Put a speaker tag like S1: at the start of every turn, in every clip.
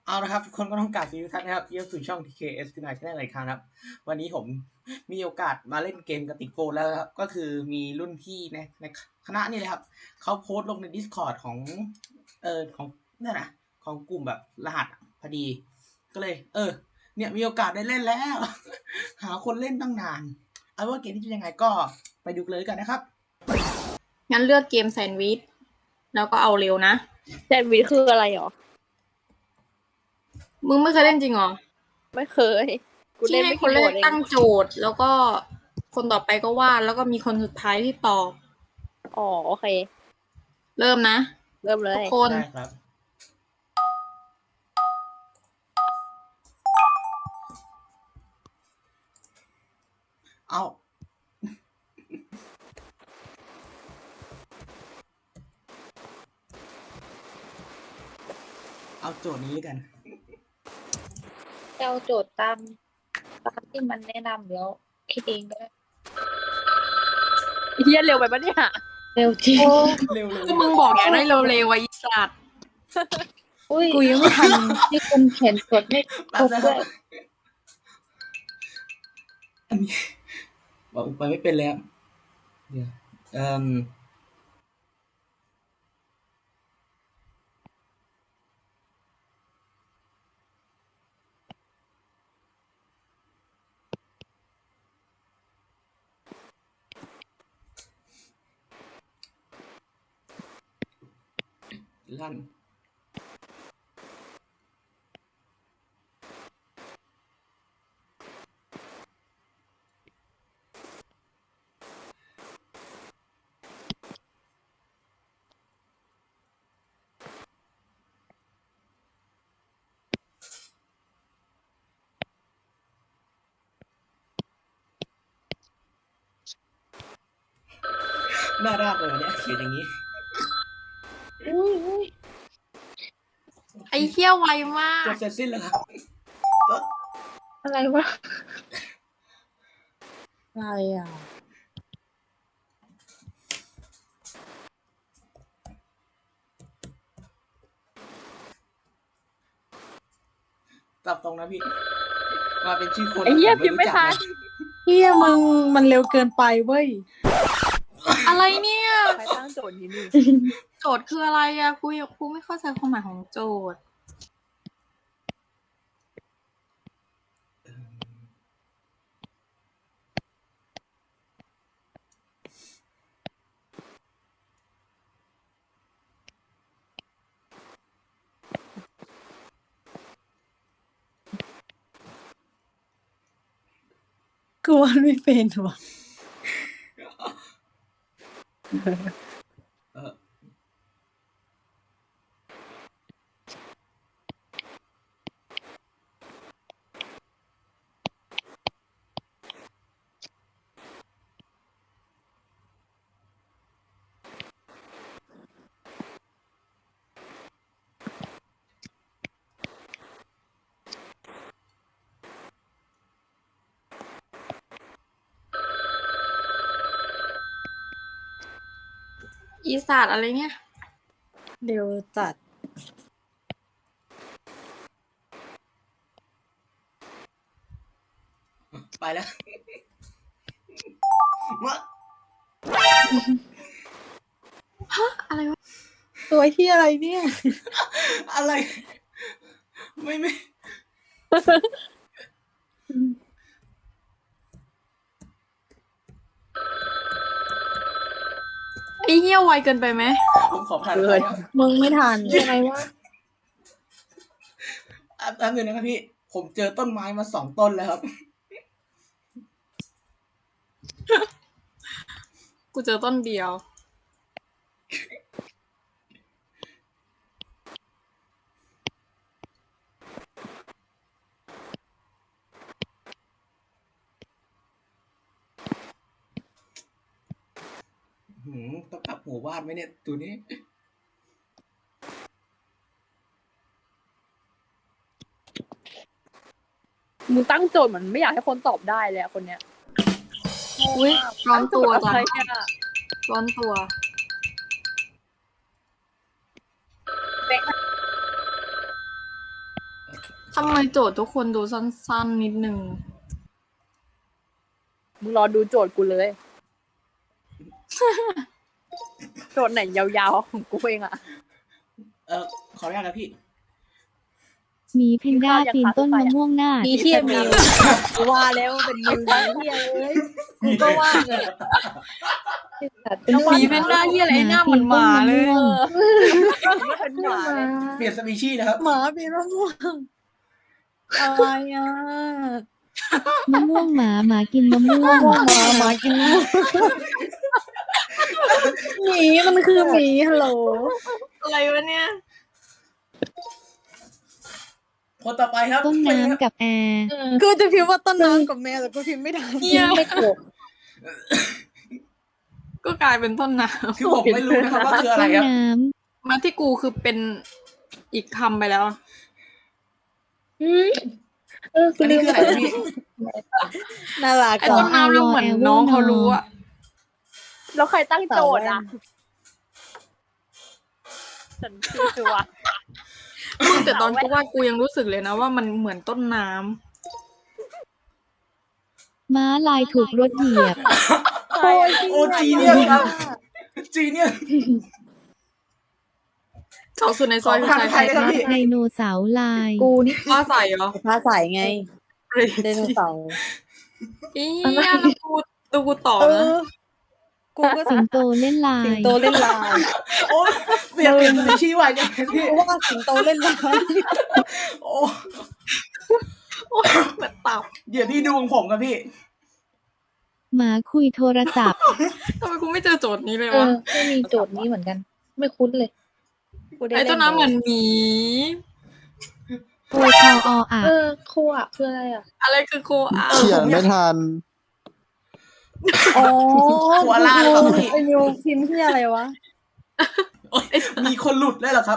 S1: เอาละครับทุกคนก็ต้องกราบสวัสดีทุกท่านนะครับที่เข้าสู่ช่อง TKS ขึ้นมาได้หลายครั้งครับวันนี้ผมมีโอกาสมาเล่นเกมกับติโกแล้วครับก็คือมีรุ่นพี่ในคณะนี่เลยครับเขาโพสต์ลงใน Discord ของของนั่นนะของกลุ่มแบบรหัสพอดีก็เลยเนี่ยมีโอกาสได้เล่นแล้ว หาคนเล่นตั้งนานเอาว่าเกมที่จะยังไงก็ไปดูเลยกันนะครับ
S2: งั้นเลือกเกมแซนด์วิชแล้วก็เอาเร็วนะ
S3: แซนด์วิชคืออะไรหรอ
S2: มึงไม่เคยเล่นจริงหรอ
S3: ไม่เคยกูเล่นไม่
S2: คนแรกตั้งโจทย์แล้วก็คนต่อไปก็วาดแล้วก็มีคนสุดท้ายที่ตอบ
S3: อ๋อโอเค
S2: เริ่มนะ
S3: เริ่มเลย
S2: ทุกคน
S1: ได้ครับเอาโจทย์นี้กัน
S3: เอาโจทย์ตามที่มันแนะนำแล้วคิดเองก็ได้เฮียเร็วไปปะเนี่ยเร็วจริง
S1: เร็ว
S2: ก็มึงบอกอยากได้เร็วๆไว้สัตว์
S3: กูยังไม่ทันที่คุณเขียนกดไม่ครบด้วย
S1: อันนี้บอกไปไม่เป็นแล้วเดี๋ยวลั่นน่ารักเลยเนี่ยเขียนอย่างนี้
S2: ไอ้เหี้ยไวมาก
S1: จบเสร็จสิ้นแล้วครับ
S3: อะไรวะอะไรอ่ะ
S1: ตับตรงนะพี่มาเป็นชื่อคน
S3: ไอ้เหี้ยพิมพ์ไม่ทัน
S4: เฮียมึงมันเร็วเกินไปเว้ย
S2: อะไรเนี่ย
S3: ใครตั้งโจทย์นี้นี่
S2: โจทย์คืออะไรอะกูไม่เข้าใจความหมายของโจทย์
S4: กูว่าไม่เป็นว่ะ
S2: อีศาสตร์อะไรเนี่ย
S4: เร็วจัด
S1: ไปแล้ว
S2: ฮะอะไรวะ
S4: ตัวเฮียอะไรเนี่ย
S1: อะไรไม่
S2: ไอ้เหี้ยไวเกินไปไหม
S1: ผมขอผ่าน
S4: เลยมึงไม่ทัน
S3: อะไรวะ
S1: แป๊บนึงนะครับพี่ผมเจอต้นไม้มา2 ต้นแล้วครับ
S2: กูเจอต้นเดียว
S1: ต้องกลับหัววาดไหมเนี่ยตัวนี้
S3: มึงตั้งโจทย์เหมือนไม่อยากให้คนตอบได้เลยคนเนี้ย
S2: อุ้ยร้อนตัวจังร้อนตัวทำไมโจทย์ทุกคนดูสั้นๆนิดนึง
S3: มึงรอดูโจทย์กูเลย โจทย์ไหนยาวๆของกูเองอะ
S1: ขออนุญาตนะพี่
S5: หมีแพนด้าปีนต้นมะม่วงหน้า
S4: มีเฮียมิวกูว่าแล้วเป็นมิวนะเฮียเอ้ยกูก็ว่าเลย
S2: หมีแพนด้าที่อะไรหน้าเหมือนหมาเลย
S3: ไม่เป็นหมาเลย
S1: เปลี่ยนสปีชีส์นะครับ
S4: หมาปีนมะม่วงอะไรอ่ะ
S5: มะม่วงหมากินมะม่วง
S4: หมากินมะม่วงหมีมันคือหมีฮัลโหล
S2: อะไรวะเนี่ย
S1: คนต่อไปครับ
S5: ต้นน้ำกับแอร์
S4: กูจะพิมพ์ว่าต้นน้ำกับแมวแต่กูพิมพ์ไม่ได้
S2: เหี้ย
S3: ไม่ถูก
S2: ก็กลายเป็นต้นน้
S1: คือผมไม่รู้นะครับว่าคืออะไร
S5: ต้น
S1: ครับ
S5: น้
S2: ำมาที่กูคือเป็นอีกคำไปแล้ว
S1: อันนี้คืออะไรครับพี่
S4: น่ารัก
S2: ไอ้
S4: อ่ะ
S2: ต้นน้ำเนี่ยเหมือนน้องเขารู้อะ
S3: แล้วใครตั้งโจทย์อ่ะ ฉันคือว่า
S2: มึงแต่ตอนกูว่ากูยังรู้สึกเลยนะว่ามันเหมือนต้นน้ำ
S5: ำม้าลายถูกรถเหยียบ
S4: โอ้ย
S1: โอ้จีเนี่ยครับ จีเนี่ย
S2: เสาสุดในซอยคือใคร
S1: ใครเลยครับพี่
S5: ไดโนเสาร์ลาย
S4: กูนี่
S2: ฟ้าใสเหรอ
S4: ฟ้าใสไงไดโนเสาร์
S2: อีเนี่ยแล้วกูตอบ
S4: เอ
S2: นะ
S4: อกูก็
S5: สิงโตเล่นลา
S4: สิง
S5: ย
S4: โตเล่นลาย
S1: โอ้เปลี่ยนสปีชีส์ไวจังเลยพี่
S4: กูว่าสิงโตเล่นลาย
S1: โอ้
S2: เหมือนตับ
S1: เดี๋ยวพี่ดูของผมครับพี่
S5: หมาคุยโทรศัพท์
S2: ทำไมกูไม่เจอโจทย์นี้เลย
S3: เอ
S2: วะ
S3: อไม่มีโจทย์นี้เหมือนกัน ไม่คุ้นเลย
S4: กูด้
S2: ไอ้ต้นน้ำเหมือนหมี
S5: โวยคออ่ะ
S3: โคอ่ะคืออะไรอ่ะ
S2: อะไรคือโคอา
S6: เขียนไม่ทัน
S4: อ๋อ
S1: หัวลานเหรอพี่
S4: ไอ้นิวพิมพ์ที่อะไรวะ
S1: โอ๊ยมีคนหลุดได้เหรอครับ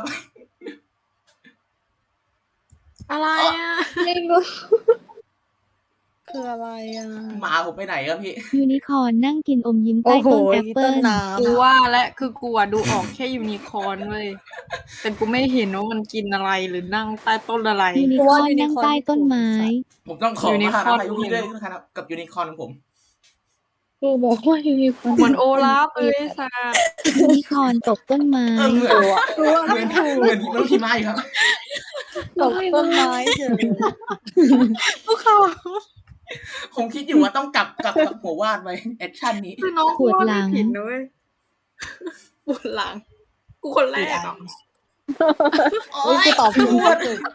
S2: อะไรอ่ะ
S3: ไม่รู้
S4: คืออะไรอ่ะ
S1: หมาผมไปไหนครับพี่
S5: ยูนิคอร์นนั่งกินอมยิ้มใต้
S4: โอ้โห
S5: ต้นแอปเปิ้
S4: ต้น
S5: ล
S4: น้
S2: กูว่าและคือกูอะดูออกแค่ยูนิคอร์นเว้ยแต่กูไม่เห็นว่ามันกินอะไรหรือนั่งใต้ต้นอะไร
S5: ยูนิคอร์นนั่งใต้ต้นไม้
S1: ผมต้องขอ
S2: ยูนิ
S1: มา
S2: ค
S1: หา
S2: อร์น
S1: พายุพี่ด้วยนะครับ กับยูนิคอร์นของผม
S3: กูบอกว่ายูนิคอร์น
S2: เหมือนโอลาฟเลยสัตว์
S5: ยูนิคอร์นตกต้นไม้
S1: เหมือน
S4: ำกูว่า
S1: เหมือนเหมือนน้องพีมาอยู่ครับ
S4: ตกต้นไม้เฉย
S2: กูเขา
S1: ผมคิดอยู่ว่าต้องกลับกับหัววาดไว้แอคชั่นนี้
S2: คือน้อง
S5: ปวดหลัง
S2: ไม่ผิดนะเว้ยปวดหลัง กูคนแรกอ่ะ
S1: โอ้
S4: เฮ้ย
S1: ย
S4: กูตอบถูก
S1: ปวด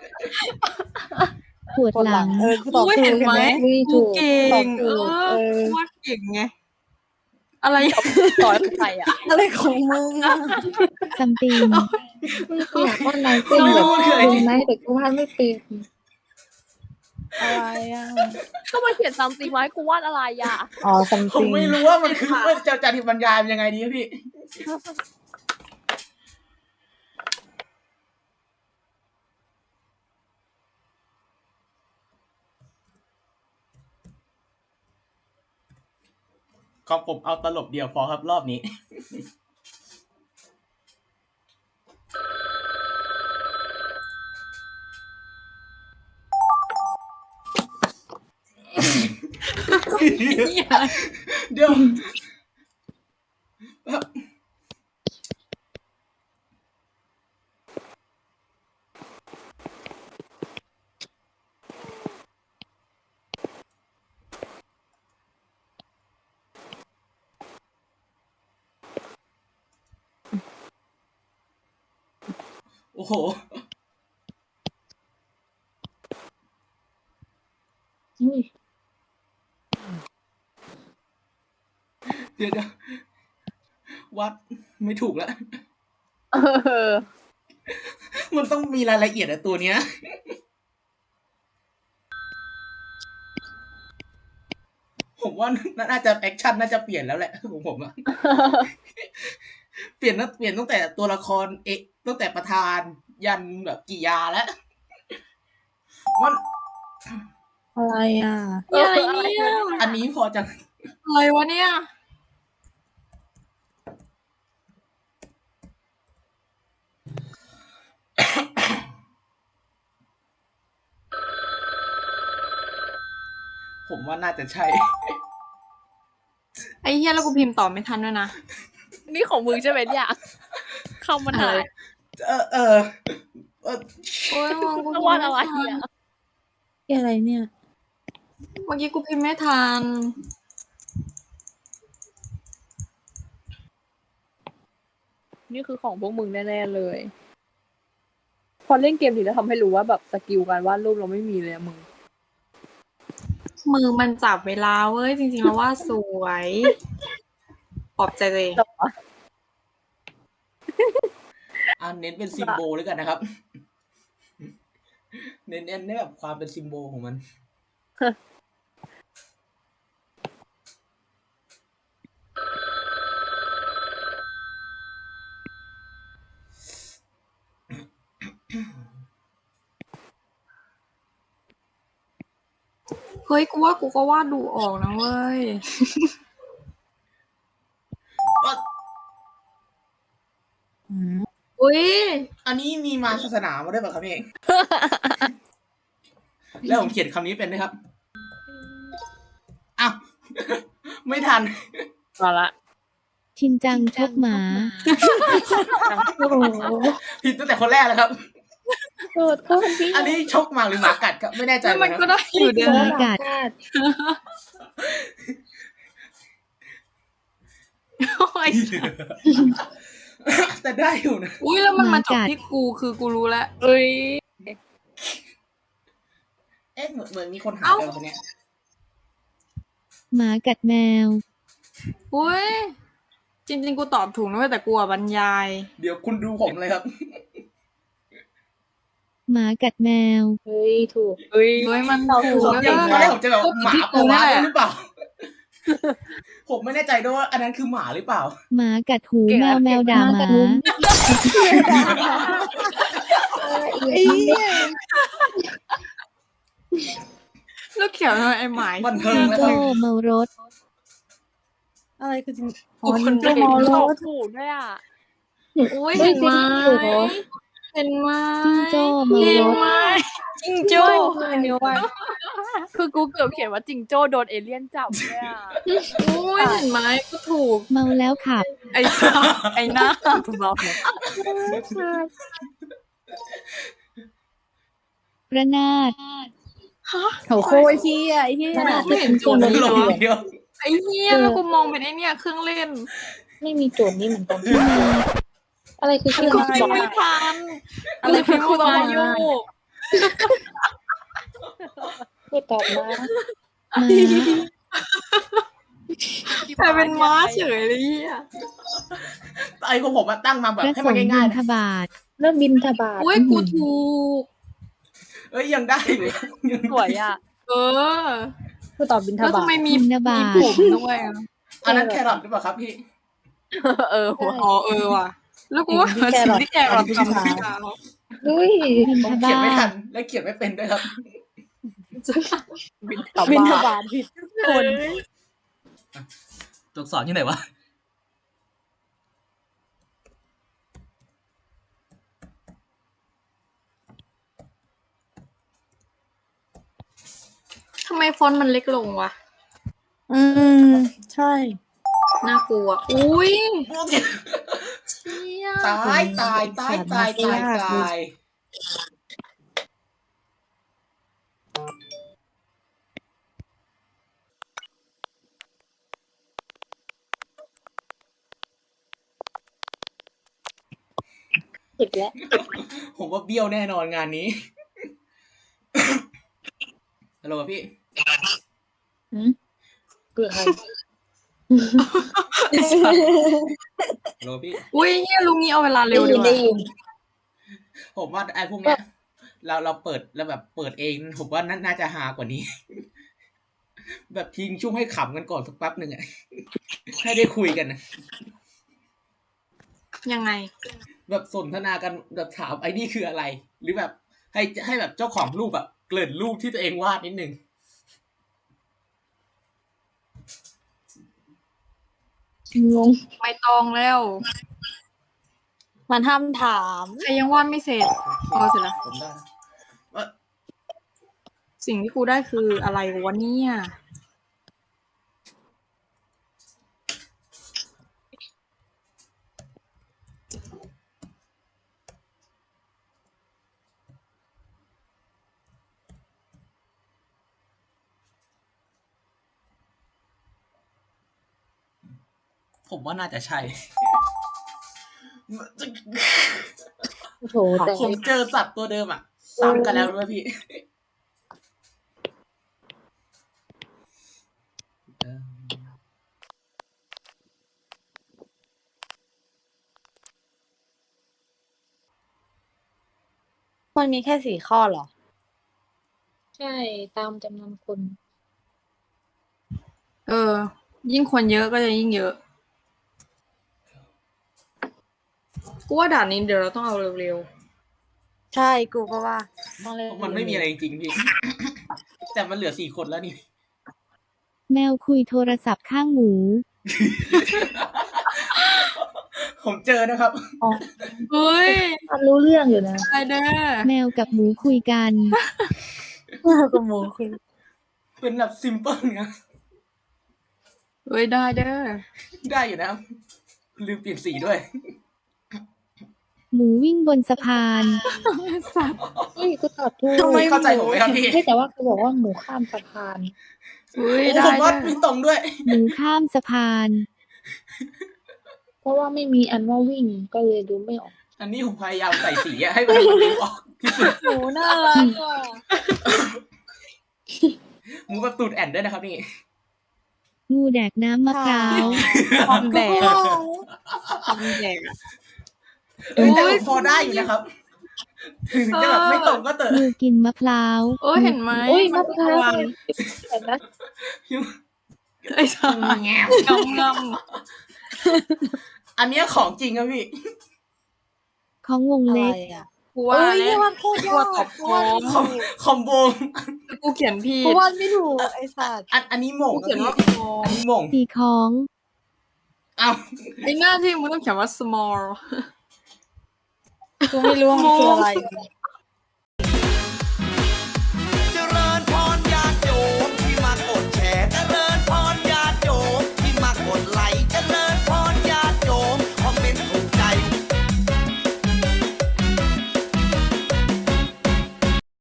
S5: ปวดหลัง
S4: กูตอบ
S2: กู
S4: ถูก
S2: เห็นไหม
S4: เห็น
S2: กูเก่ง
S4: ตอบถูก
S2: กูวาดเก่งไง อะไร
S3: ต่อยใครอ่ะ
S4: อะไรของมึงอ่ะ
S5: ซัมติง
S3: กูอยากว่านายเต้นแบบเป็นไหมแต่กูวาดไม่เป็น
S4: อะไรอ่ะ
S3: ก็มาเขียนซัมติงไว้กูวาดอะไรอ่ะ
S4: อ๋อซัม
S1: ผ
S4: ติ
S1: ม
S4: ง
S1: ไม่รู้ว่ามันคือว่าจะอธิบรรยายมันยังไงดีครับพี่ ของผมเอาตลบเดียวพอครับรอบนี้ เดี๋ยวโอ้โห เดี๋ยววัดไม่ถูกแล้ว
S3: เออ
S1: มันต้องมีรายละเอียดอะตัวเนี้ย ผมว่าน่าจะแอคชั่นน่าจะเปลี่ยนแล้วแหละของผมอะ เปลี่ยนตั้งแต่ตัวละครตั้งแต่ประธานยันแบบกิยาแล้วมัน
S4: อะไรอ่ะ
S2: อะไรเนี่ย
S1: อันนี้พอจะ
S2: อะไรวะเนี่ย
S1: เผมว่าน่าจะใช่
S2: ไอ้เหี้ยแล้วกูพิมพ์ต่อไม่ทันด้วยนะ
S3: นี่ของมึงใช่ไหมเนี่ยคำมันหาย
S1: เออ
S2: โอ้ยมึงกู
S3: จะ
S2: พิม
S3: วาด
S2: พ์
S3: อะไร
S2: ไม่ทัน
S3: อ่ะ
S4: อะไรเนี่ย
S2: เมื่อกี้กูพิมพ์ไม่ทัน
S3: นี่คือของพวกมึงแน่ๆเลย พอเล่นเกมถึงจะทำให้รู้ว่าแบบสกิลการวาดรูปเราไม่มีเลยอะมึง
S2: มือมันจับเวลาเว้ย จริงๆแล้วว่าสวยปลอบใจตัวเอง
S1: เน้นเป็นซิมโบลแล้วกันนะครับ เน้นได้แบบความเป็นซิมโบลของมัน
S2: เฮ้ยกูว่ากูก็วาดดูออกนะเว้ย อุ้ย
S1: อันนี้มีมาศาสนามาด้วยป่ะครับพี่เอง แล้วผมเขียนคำนี้เป็นนะครับ อ้าว ไม่ทัน
S3: มาละ
S5: ชินจังชกหมา
S4: โอ้โห
S1: ผิดตั้งแต่คนแรกแล้วครับ
S4: โทษโทษพี่
S1: อันนี้ชกหมาหรือหมากัดครับไม่แน่ใจ
S2: แล้ว
S1: เล
S2: มัน
S1: ยค
S2: ก็
S1: รับ
S2: ได้อยู่เดียว
S5: หมา
S2: นะ
S5: กัด
S2: โอ้ย
S1: แต่ได้อยู่นะ
S2: อุ้ยแล้วมันมาจบ
S5: หมากัด
S2: ที่กูคือกูรู้แล้ว
S3: เอ้ย
S1: เอ๊ะเหมือนมีคนหายไปคนเนี้ย
S5: หมากัดแมว
S2: อุ้ย จริงๆกูตอบถูกนะเว้ยแต่กูอะบรรยาย
S1: เดี๋ยวคุณดูผมเลยครับ
S5: หมากัดแมว
S4: เฮ้ยถูก
S3: เอ้ย
S2: เฮ้ยมันถูก
S1: ผม
S2: แล้ว
S1: อย่าง
S2: ก็
S1: ตอนแรกผมจะแบบหมาปะวะ
S2: แหละ
S1: หรือเปล่า ผมไม่แน่ใจด้วยว่าอันนั้นคือหมาหรือเปล่า
S5: หมากัดหูแมวแมวด่าหมา
S2: แล้วเขียวทำไมไอ้หมาย
S1: บันเทิง
S5: จิง
S1: แล้วค
S5: โจ้
S1: รับ
S5: เมารถ
S4: อะไรคือจริง
S2: กูคน
S3: เก่
S2: เดี
S3: ง
S2: ยว
S3: ตอบถูกด้วยอ่ะ
S2: อุ้ยเห็นไหมเห็นไหม
S5: จิงโจ้เมา
S2: เห็น
S5: รถ
S2: ไหมจิงโจ้
S4: อันนี้ว่า
S3: คือกูเกือบเขียนว่าจิงโจ้โดนเอเลี่ยนจับด้วยอ่ะ
S2: อุ้ยเห็นไหมก็ถูก
S5: เมาแล้วขับ
S2: ไอ้สัสไอ้หน้า
S3: เบาเลย
S5: ระนาด
S2: ฮะ
S4: โอ้โหเฮียไอ้เฮีย
S2: ไม่เห็นโจทย์
S1: หล
S2: เลย
S1: ง
S2: เหรอ
S1: เดียว
S2: ไอ้เหี้ยแล้วกูมองเป็นไอ้เนี่ยเครื่องเล่น
S4: ไม่มีโจทย์นี่เหมือนกันอะไรคือชื่อ
S2: กู
S4: อะไร
S2: พิมพ์ไม่
S4: อ่ะ
S2: ทันอะไรพิมพ์มาอยู่
S4: พูดตอบมา
S5: หมา
S2: แต่เป็นม้าเฉยเลยอ่ะ
S1: ไอ้ของผมมาตั้งมาแบบ
S5: พระ
S1: ให้
S5: ส
S1: มัน
S5: งฆ์บิ
S1: ง่าย
S5: ณ
S1: ๆนะ
S5: ฑบาต
S4: เริ่มบินทบาท
S2: อุ้ยกูถูก
S1: เอ้ยยังได้อยู่ยัง
S3: สวยอ่ะ
S2: เออ
S4: พูดตอบบินท
S2: แล้ว
S4: บา
S2: ทำ
S4: ท
S2: ไมมี
S5: บิณฑบา
S2: มี
S5: ต
S2: ผมด้วยอ่ะ
S1: อันนั้นแครอทหรือเปล่าครับพี่
S3: เออหัว
S2: อ๋อเออว่ะ แล้วกูว่าสิ่งที่แกเราทำคือการ
S4: เฮ้ย
S5: บิณ
S1: ผ
S5: ฑ
S1: มเขียน
S5: บา
S1: ไม่ทั
S5: ต
S1: นและเขียนไม่เป็นด้วยครับ
S3: บิน
S4: บินท
S3: ทบาท
S4: บาทผิดคน
S1: ตัวอักษรที่ไหนวะ
S2: ทำไมฟอนต์มันเล็กลงวะ
S4: ใช่
S2: น่ากลัว อุ้ยเชี่ย
S1: ตายตายตายตายตายตาย
S4: ผิดแล้ว
S1: ผมว่าเบี้ยวแน่นอนงานนี้ ฮัลโหลพี่
S4: เกลือใคร
S1: ฮัลโหลพี่
S2: อุ้ยเฮียลุงนี้เอาเวลาเร็วดีก
S4: ได้
S2: ว่า
S4: ยิน
S1: ผมว่าไอ้พวกเนี้ย เราเปิดแล้วแบบเปิดเอง ผมว่าน่าจะฮากว่านี้ แบบทิ้งช่วงให้ขำกันก่อนสักแป๊บหนึ่งอะ ให้ได้คุยกันนะ
S2: ยังไง
S1: แบบสนทนากันแบบถามไอ้นี่คืออะไร หรือแบบให้แบบเจ้าของรูปแบบเกริ่นรูปที่ตัวเองวาดนิดนึง
S4: งง
S2: ไม่ตองแล้ว
S4: มันห้ามถาม
S2: ใครยังวาดไม่เสร็จ พอเสร็จแล้ว
S1: ผมได้นะว่า
S2: สิ่งที่กูได้คืออะไรวะเนี่ย
S1: ผมว่าน่าจะใช่
S4: โอ้โหแต่
S1: ผมเจอสัตว์ตัวเดิมอ่ะซ้ำกันแล้วด้วยพี่
S4: มันมีแค่4 ข้อเหรอ
S6: ใช่ตามจำนวนคน
S2: ยิ่งคนเยอะก็จะยิ่งเยอะ กูว่าด่านนี้เดี๋ยวเราต้องเอาเร็ว
S4: ใช่กูก็ว่าต้องเล่น
S1: มันไม่มีอะไรจริงๆพี่ แต่มันเหลือ4 คนแล้วนี่
S5: แมวคุยโทรศัพท์ข้างหมู
S1: ผมเจอนะครับ
S2: ๆ เฮ้ย
S6: มันรู้เรื่องอยู่นะ
S2: ได้เด้อ
S5: แมวกับหมูคุยกัน
S4: กูหมูคุย
S1: เป็นแบบซิมเปิลนะ
S2: เฮ้ยได้เด้อ
S1: ได้อยู่นะครับ ลืมเปลี่ยนสีด้วย
S5: หมูวิ่งบนสะพาน
S2: สัตว์
S6: เฮ้ยกูตอบถูก
S1: ทำไมเข้าใจผมไหมครับพี่
S6: เฮ้ยแต่ว่ากูบอกว่าหมูข้ามสะพาน
S2: เฮ้ย
S1: โอ้
S2: ได้
S1: ผมว่า
S2: เด้อ
S1: มีตรงด้วย
S5: หมูข้ามสะพาน
S6: เพราะว่าไม่มีอันว่าวิ่งก็เลยดูไม่ออก
S1: อันนี้ผมพยายามใส่สีอะให้มันดูออกที่สุด
S4: หมูน่ารักว่ะ
S1: หมูแบบตูดแอนด้วยนะครับนี่
S5: งูแดกน้ำมะพร้าว
S2: ความแดกความแดกอะ
S1: เอ้ยแต่ผมพอได้อยู่นะครับ ถึงจะแบบไม่ตรงก็เตอะ
S5: งูกินมะพร้าว
S2: เห็นไหม
S6: โอ้ย
S2: มั
S6: มะ
S2: น
S6: พร้าว
S2: วาง
S6: เห็นนะ
S2: ไอ้สัตว์
S1: แงว
S2: งำ
S1: อันเนี้ยของจริงครับพี่
S5: ของวง
S4: อะไร
S5: เล็ก
S4: อ่ะ
S2: กูว่า
S4: เอ้ย
S2: แล้
S4: เนี่
S2: วย
S4: มันโคตรยาก
S2: ตอบ
S4: กูว่า
S2: โค้ง
S1: คอมโบ
S2: กูเขียนผิด
S4: กูว่าไม่ถูกไอ้สัตว์
S1: อันนี้หม่ง
S2: กู
S1: ครั
S2: เขียน
S1: บ
S2: ว่า
S1: พี่
S2: โค้ง
S1: อันนี้หม่ง
S5: ตีของ
S1: เอ้า
S2: ไอ้หน้าที่มึงต้องเขียนว่า small
S4: กูไม่รู้ว่ามันคืออะไร